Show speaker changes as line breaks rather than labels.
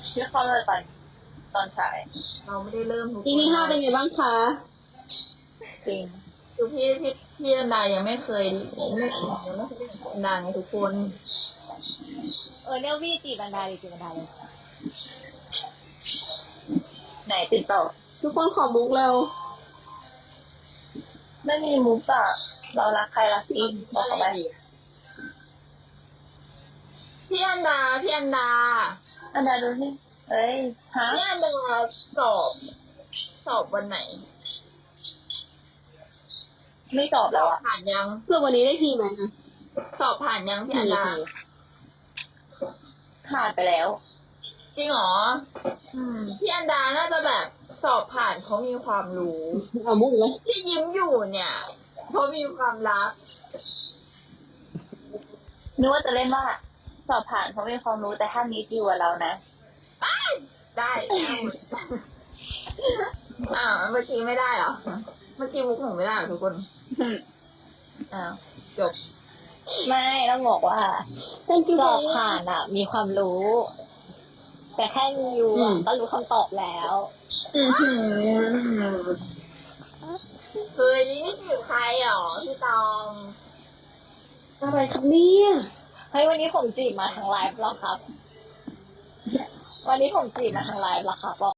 ชื่อเข้าเลยตอนฉาย
เราไม่ได้เริ่มทุกคน
EP 5เป็นไงบ้างคะ
จริง
คือพี่อันดายังไม่เคยยังไม่เคยเล่นอันดาไงทุกคน
เนี่ยวี่จีบันไดเลยจีบันไดเลย
ไหนติดต่อ
ทุกคนขอมุกเร็ว
ไม่มีมุกอะเรารักใครรักจริงบอกเขาไป
พี่อันดา
อันดาดูสิเอ้ยฮะ
พี่อันดาสอบวันไหน
ไม่ตอบ
ส
แล้
อ
ว
บ
อะ
ผ่านยัง
เพื่อวันนี้ได้ทีไหมคะ
สอบผ่านยังพี่อันดา
ผ่านไปแล้ว
จริงเหรอพี่อันดาน่าจะแบบสอบผ่านเขามีความรู้
เอามุกไหม
ที่ยิ้มอยู่เนี่ยเพราะมีความรัก
นึกว่าจะเล่นว่าสอบผ่านเพราะมีความรู้แต่ถ้ามีดีกว่าเรานะ
ได้เมื่อกี้ไม่ได้เหรอเมื่อกี้มุกหนูไม่ได้เหรอทุกคนอ้าวจบ
ไม่ต้องบอกว่า
thank you
สอบผ่านอ่ะ มีความรู้ แต่แค่มีอยู่อะก็รู้คำตอบแล้ว
เคยนี่คือใครหรอพี่ตอง
อะไรครับเนี่ย
เฮ้ยวันนี้ผมจีบมาทางไลฟ์แล้วครับ วันนี้ผมจีบมาทางไลฟ์แล้วครับ